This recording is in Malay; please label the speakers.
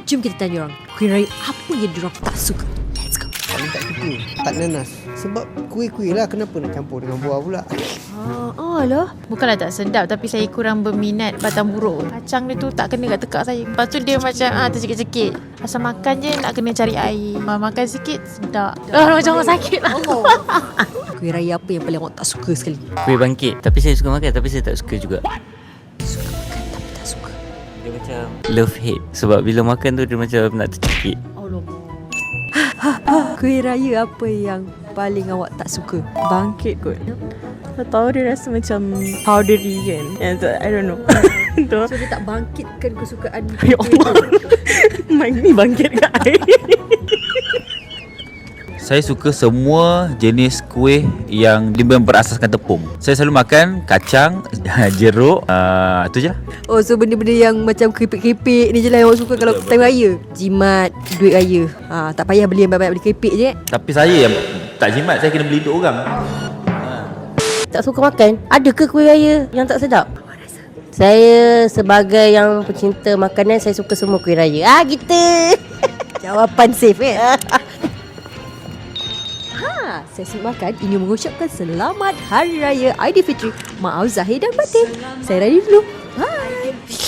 Speaker 1: Jom kita tanya orang, kuih raya apa yang diorang tak suka. Let's go.
Speaker 2: Paling tak suka tak nanas. Sebab kuih-kuih lah, kenapa nak campur dengan buah pula?
Speaker 1: Lah.
Speaker 3: Bukanlah tak sedap, tapi saya kurang berminat batang buruk. Kacang dia tu tak kena kat tekak saya. Lepas tu dia macam tercekik-cekik. Asal makan je nak kena cari air. Makan sikit sedap. Macam orang sakit lah.
Speaker 1: Kuih raya apa yang paling awak tak suka sekali?
Speaker 4: Kuih bangkit. Tapi saya suka makan, tapi saya tak suka juga.
Speaker 1: Suka makan tapi tak suka.
Speaker 4: Dia macam love hate. Sebab bila makan tu dia macam nak tercekik.
Speaker 1: Kuih raya apa yang paling awak tak suka?
Speaker 5: Bangkit kot. Tak tahu, dia rasa macam powdery kan. I don't know. Tu.
Speaker 1: So dia tak bangkitkan kesukaan
Speaker 5: Ya Allah. Mak ni bangkit kat air.
Speaker 6: Saya suka semua jenis kuih yang berasaskan tepung. Saya selalu makan kacang, jeruk, tu je lah.
Speaker 1: Oh, so benda-benda yang macam keripik-keripik ni je lah yang awak suka kalau time raya. Jimat, duit raya. Tak payah beli yang banyak-banyak, beli keripik je.
Speaker 6: Tapi saya yang tak jimat, saya kena beli untuk orang.
Speaker 7: Tak suka makan. Ada ke kuih raya yang tak sedap? Saya sebagai yang pecinta makanan, saya suka semua kuih raya. Gitu.
Speaker 1: Jawapan safe saya makan ingin mengucapkan selamat Hari Raya Aidilfitri. Maaf Zahir dan Batin. Saya Radhi dulu. Bye.